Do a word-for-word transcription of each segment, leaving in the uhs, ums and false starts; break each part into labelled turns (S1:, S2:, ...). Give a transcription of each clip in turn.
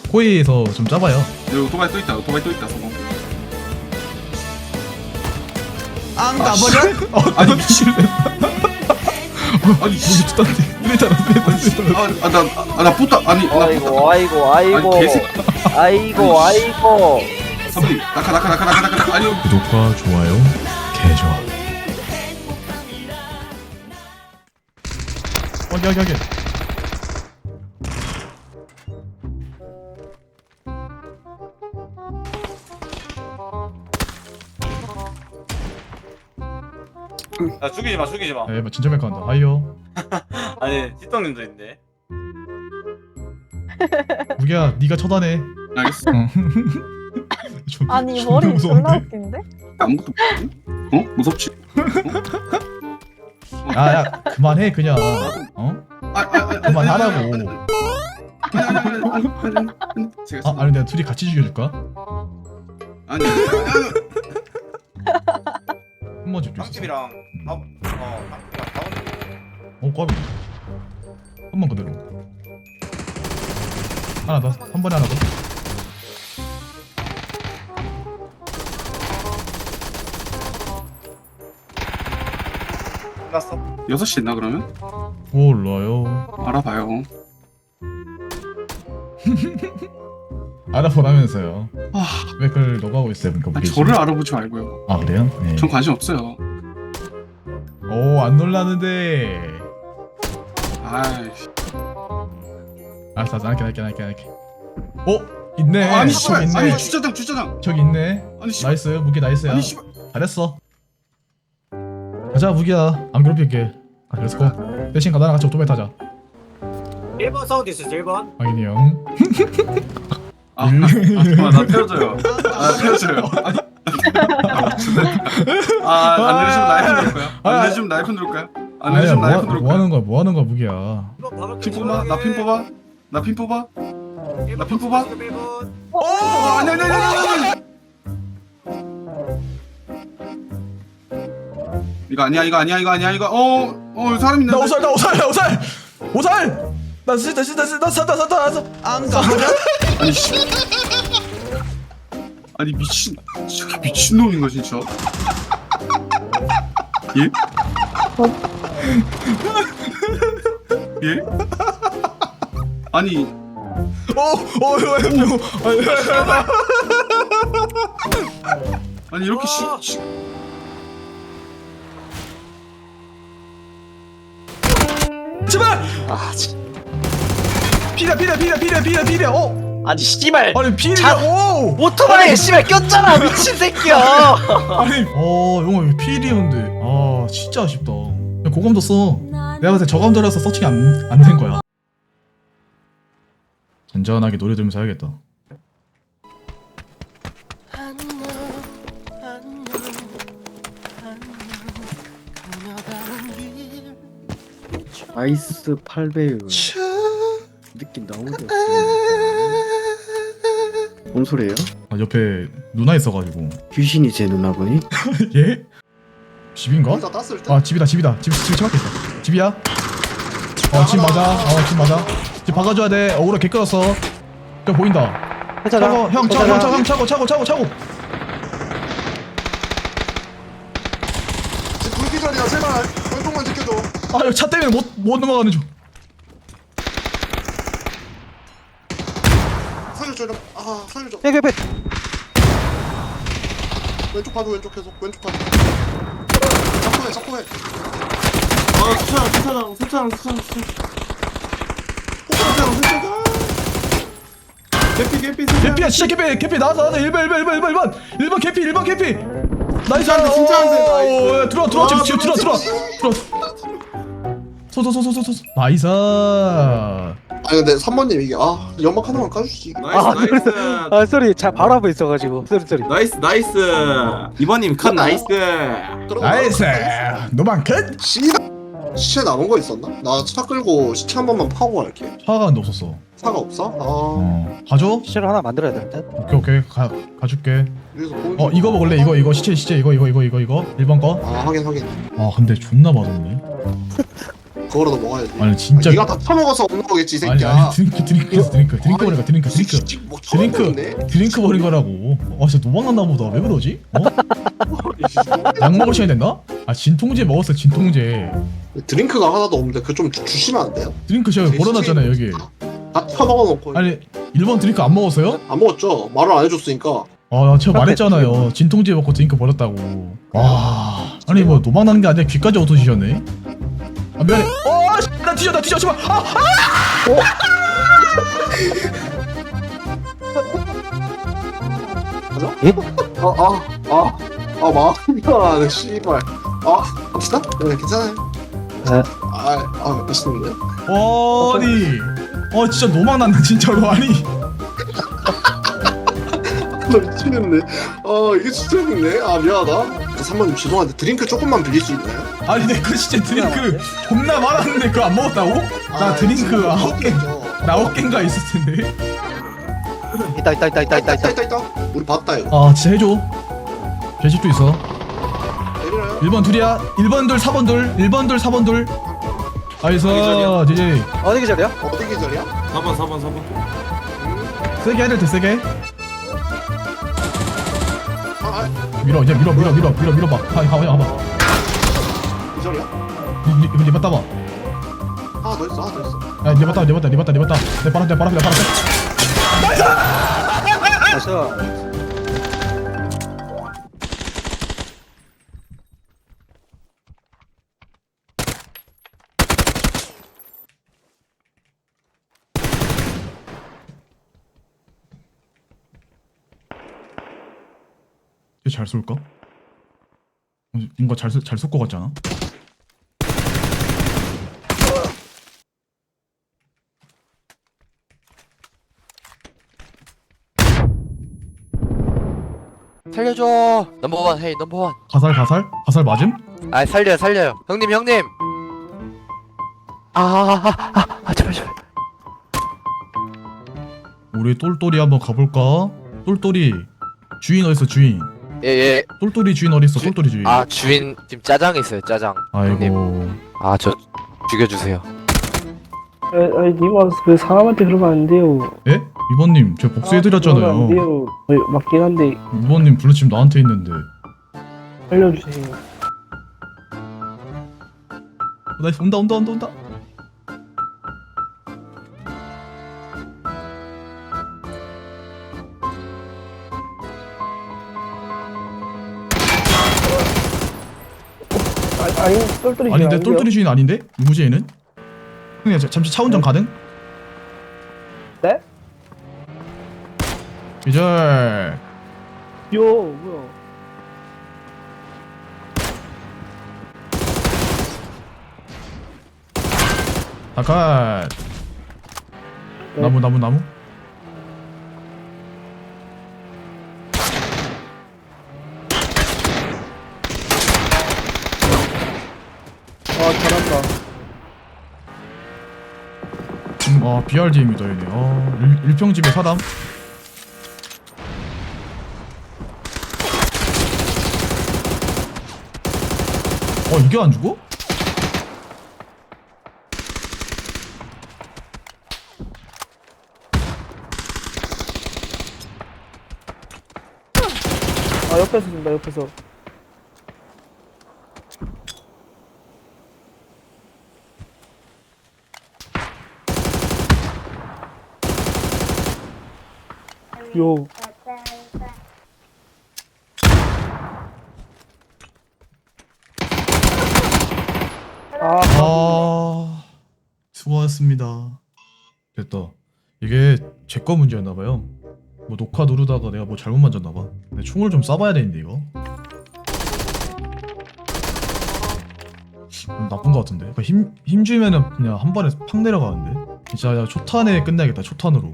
S1: 호의에서 좀 짜봐요.
S2: 여기 오토바이 또 있다. 오토바이 또 있다. 성공.
S1: 안 가버려? 어,
S2: 아니 미친. 아니 씨.
S1: 무기 tus다는데 이랬잖아.
S2: 아, 아, 나, 아, 나 붙다. 아니, 나
S3: 아이고
S2: 붙다.
S3: 아이고 아이고
S2: 아니, 개새.
S3: 아이고 아이고
S2: 선배님, 나카, 나카, 나카, 나카, 나카. 아니,
S1: 구독과 좋아요 개 좋아. 확인 확인 확인.
S4: 야 죽이지 마 죽이지 마.
S1: 에 진짜 멜카 한다. 하이요.
S4: 아니 찌떡님도 있네.
S1: 무기야 네가 처단해.
S2: 알겠어.
S1: 어. 존-
S5: 아니
S1: 존나
S5: 머리
S1: 무서운데?
S5: 졸라 웃긴데?
S2: 아무것도 모르지? 어? 무섭지?
S1: 야야 그만해 그냥. 어?
S2: 아, 아, 아,
S1: 그만하라고.
S2: 아니, 아니, 아니, 아니, 아니, 아니, 제가
S1: 아 아니 내가 둘이 같이 죽여줄까?
S2: 아니, 아니, 아니,
S1: 한 번 집중.
S4: 빵집이랑 밥, 어 빵집이랑 밥은
S1: 어 꽈비. 한 번 그대로. 하나 더. 한 번에 하나 더.
S4: 끝났어.
S2: 여섯 시 있나 그러면?
S1: 몰라요.
S2: 알아봐요.
S1: 알아보라면서요.
S2: 아,
S1: 왜 그걸 너가 하고 있어요? 그러니까
S2: 아,
S1: 무기.
S2: 저를 알아보지 말고요.
S1: 아 그래요? 네.
S2: 전 관심 없어요.
S1: 오안 놀라는데.
S2: 아이씨.
S1: 알았어 알았어 할게 할게 할게 할게. 어 있네.
S2: 아니,
S1: 저기
S2: 씨발.
S1: 있네.
S2: 아니, 주차장, 주차장.
S1: 저기 있네.
S2: 아니, 씨발.
S1: 나이스 무기 나이스야.
S2: 아니, 씨발.
S1: 잘했어. 가자 무기야. 안 괴롭힐게. 아 그래서 대신 가다랑 같이 오토바이 타자.
S4: 일 번 사운드 있었어 일 번.
S1: 확인이 형.
S2: 아, 아, 아, 잠깐만, 나 태워줘요. 아, 태워줘요. 아니. 아, 안 내리시면 나이프 누를까요? 안 내리시면 나이프 누를까요? 안
S1: 아니야
S2: 내리시면 나이프
S1: 뭐, 뭐
S2: 누를까요?
S1: 하는 거야? 뭐 하는 거야 무기야?
S2: 핀 뽑아? 나 핀 뽑아? 나 핀 뽑아? 나 핀 뽑아?
S5: 어?
S2: 어, 아니, 아니, 아니, 아니, 아니. 이거 아니야, 이거 아니야, 이거 아니야, 이거. 어, 어, 사람 있는데.
S1: 나 오살 나 오살 나 오살 오살. 나 진짜 진짜 진짜 나 산다 산다 산다. 안 가버려?
S2: 아니 씨. 아니 미친, 저게 미친 놈인가 진짜? 예? 예? 아니,
S1: 어어 이거
S2: 아니 이렇게 시, 시...
S1: 제발.
S3: 아 진
S1: 피려 피려 피려 피려 피려 피려. 어
S3: 아니 씨발
S1: 아니 피려.
S3: 자-
S1: 오
S3: 오토바이에 씨발 꼈잖아 미친 새끼야.
S1: 아니 어 영화 왜 피리였는데 아 진짜 아쉽다. 그냥 고감도 써. 내가 봤을 때 저감도라서 서칭이 안안 된 거야. 잔잔하게 노래 들으면서 해야겠다.
S6: 아이스 팔 배율 느낌 너무 좋습니다. 뭔 소리예요?
S1: 아 옆에 누나 있어가지고.
S6: 귀신이 제 누나분이?
S1: 예? 집인가? 아 집이다 집이다 집 집에 집 앞에 있다. 집이야? 어 집 맞아. 어 집 맞아. 집 박아줘야 돼. 어그로 개 끌었어. 저 보인다. 차고 형 차고 형 차고 형 차고 차고 차고 차고.
S7: 불기절이야 제발 왼쪽만 지켜줘.
S1: 아 이거 차 때문에 못 못 넘어가는 중.
S7: 살려줘 이런. 아 살려줘.
S3: 백백백
S7: 왼쪽 봐줘 왼쪽 계속 왼쪽 봐줘. 잡고 해 잡고 해.
S2: 아, 수차장, 수차장, 수차장, 수차장, 수차장. 수차장, 수차장. 개피, 개피, 수차장.
S1: 개피야 진짜 개피 개피 나와서 나와서 일 번 일 번 일 번 일 번 일 번 일 번 개피 일 번 개피. 나이스
S2: 진짜 안 돼, 진짜 안 돼. 나이스.
S1: 오, 들어와 들어와 지금
S2: 아,
S1: 지금 들어와 들어와 들어와. 소소소소소소 나이스.
S7: 아니 근데 삼 번님 이게 아 연막 하나만 까주시지.
S2: 나이스, 나이스.
S3: 아 소리 자 바로 앞에 있어가지고 소리 소리.
S2: 나이스, 나이스. 이번님 컷 나이스.
S1: 나이스 노만 끝.
S7: 시나 시체 남은 거 있었나? 나 차 끌고 시체 한 번만 파고 갈게.
S1: 화가 근데 없었어.
S7: 차가 없어? 아
S1: 어 가져.
S3: 시체를 하나 만들어야 될 듯.
S1: 오케이 오케이 가 가줄게.
S7: 여기서 보는
S1: 어
S7: 중.
S1: 이거 먹을래 이거 이거 시체 시체 이거 이거 이거 이거 이거 일 번 거.
S7: 아 확인 확인.
S1: 아 근데 존나 맛없네.
S7: 그거라도 먹어야지.
S1: 아니 진짜.
S7: 아, 네가 다 처먹어서 없는 거겠지 이
S1: 아니
S7: 새끼야.
S1: 아니 드링크 드링크 드링크 드링크 버린 거 드링크
S7: 이
S1: 드링크
S7: 새끼 뭐 처음
S1: 드링크
S7: 먹네?
S1: 드링크 버린 거라고. 아 진짜 도망갔나 보다. 왜 그러지? 어? 약 먹을 시간이 됐나? 아 진통제 먹었어 진통제.
S7: 드링크가 하나도 없는데 그거 좀 주- 주시면 안 돼요?
S1: 드링크 제가 버려놨잖아요 여기.
S7: 다 처먹어놓고
S1: 아니 일 번 드링크 안 먹었어요?
S7: 안 먹었죠? 말을 안 해줬으니까.
S1: 아 제가 말했잖아요 진통제 먹고 드링크 버렸다고. 와 아니 뭐 도망가는 게 아니라 귀까지 어두지셨네. 아 미안해. 어, 씨, 나 뒤져 나 뒤져 씨발. 아, 아!
S7: 가자.
S3: 예?
S7: 아, 아, 아, 아, 마음이 편하네, 씨발. 아, 갑시다? 네, 괜찮아요.
S3: 네.
S7: 아, 아, 맛있는데?
S1: 아니, 어 진짜 노망난다 진짜로. 아니
S7: 나 미치겠네. 아, 이게 진짜 있네. 아, 미안하다. 그 삼번님 죄송한데 드링크 조금만 빌릴 수 있나요?
S1: 아니 내 거 진짜 드링크 겁나 많았는데 그거 안 먹었다고? 나
S7: 아,
S1: 드링크
S7: 지금
S1: 아홉 개,
S7: 먹었겠죠.
S1: 나 아홉 개인가 있을 텐데.
S3: 있다 있다 있다 있다 있다 있다.
S7: 있다, 있다. 우리 봤다, 이거.
S1: 아 진짜 해줘. 배식도 있어.
S7: 내리나요?
S1: 일 번 둘이야. 일 번 둘, 사 번 둘, 일 번 둘, 사 번 둘. 아이서
S2: 기절이야?
S1: 제제
S3: 어디 계절이야?
S7: 어디 계절이야?
S2: 사 번 사 번 사 번.
S1: 세게 해야 될때 세게.
S7: 아, 아,
S1: 밀어 이제 밀어 밀어 밀어 밀어 밀어봐. 하 하야 봐봐.
S7: 계절이야?
S1: 리 리바 따봐.
S7: 하나 더 있어, 하나 더 있어.
S1: 야 리바 따 리바 따 리바 따 리바 따. 내 바람 내 바람 내 바람.
S3: 가서.
S1: 잘 쏠까? 뭔가 잘 잘 쏠 것 같지 않아?
S5: 살려줘. 넘버원 헤이 넘버원.
S1: 가살 가살 가살 맞음?
S5: 아 살려요 살려요. 형님 형님. 아아아아 아, 아, 제발 제발.
S1: 우리 똘똘이 한번 가볼까? 똘똘이 주인 어딨어 주인?
S5: 예예.
S1: 똘똘이 주인 어딨어 똘똘이 주인?
S5: 아 주인 지금 짜장 있어요 짜장. 형님.
S1: 아이고
S5: 아 저 죽여주세요.
S8: 아니 님아 그 사람한테 그러면 안 돼요.
S1: 예? 이번님 제가
S8: 그러면 안
S1: 복수해드렸잖아요.
S8: 돼요. 어, 맞긴 한데
S1: 이번님 블루칩 나한테 있는데.
S8: 알려주세요.
S1: 나 온다 온다 온다 온다.
S8: 아, 아니 똘똘이
S1: 아닌데
S8: 안 돼요?
S1: 똘똘이 주인 아닌데? 무제이는? 형님 자- 잠시 차 운전 가능?
S8: 네?
S1: 기절.
S8: 요 뭐야?
S1: 아까
S8: 네.
S1: 나무 나무 나무.
S8: 아 잘한다.
S1: 음, 아 비알디엠이다 얘네. 아 일, 일평집에 사람. 어 이게 안 죽어?
S8: 아 옆에서 쏜다 옆에서. 요. 아,
S1: 아 수고하셨습니다. 됐다. 이게 제 거 문제였나봐요. 뭐 녹화 누르다가 내가 뭐 잘못 만졌나봐. 근데 총을 좀 쏴봐야 되는데 이거 음, 나쁜 거 같은데. 그러니까 힘, 힘 주면은 그냥 한 번에 팍 내려가는데. 진짜 그냥 초탄에 끝내야겠다. 초탄으로.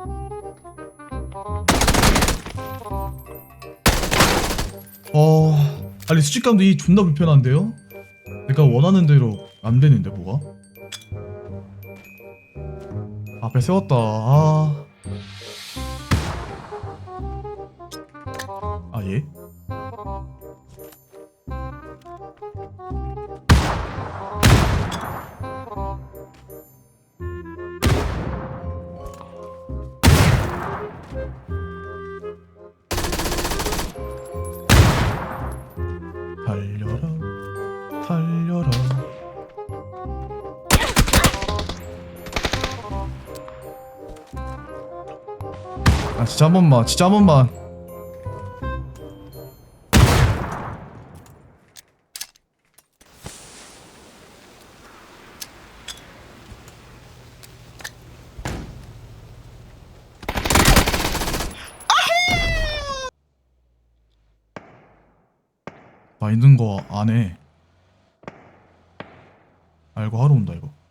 S1: 어 아니 수직감도 이 존나 불편한데요? 내가 원하는 대로 안 되는데 뭐가? 앞에 세웠다. 아, 아 예? 달려라 달려라. 아 진짜 한 번만 진짜 한 번만. 나 있는 거 안 해. 알고 하러 온다 이거.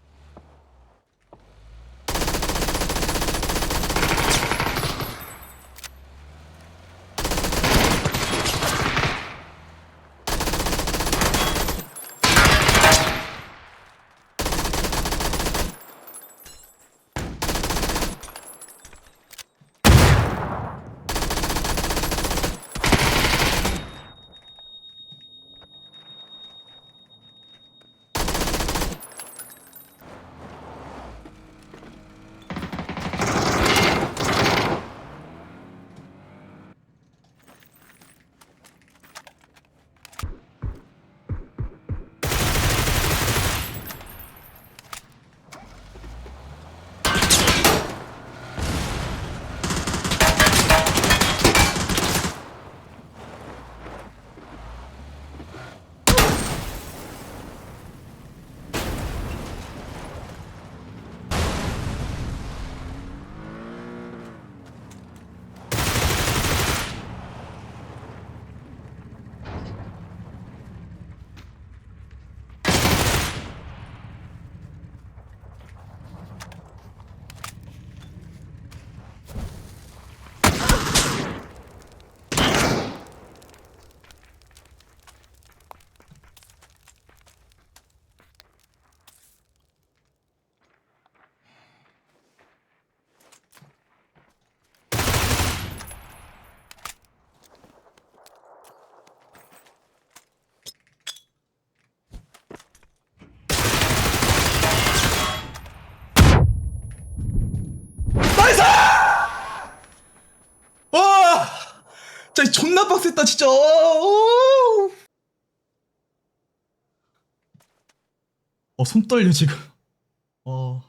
S1: 와! 진짜 존나 빡셌다 진짜. 오! 어, 손 떨려 지금. 어.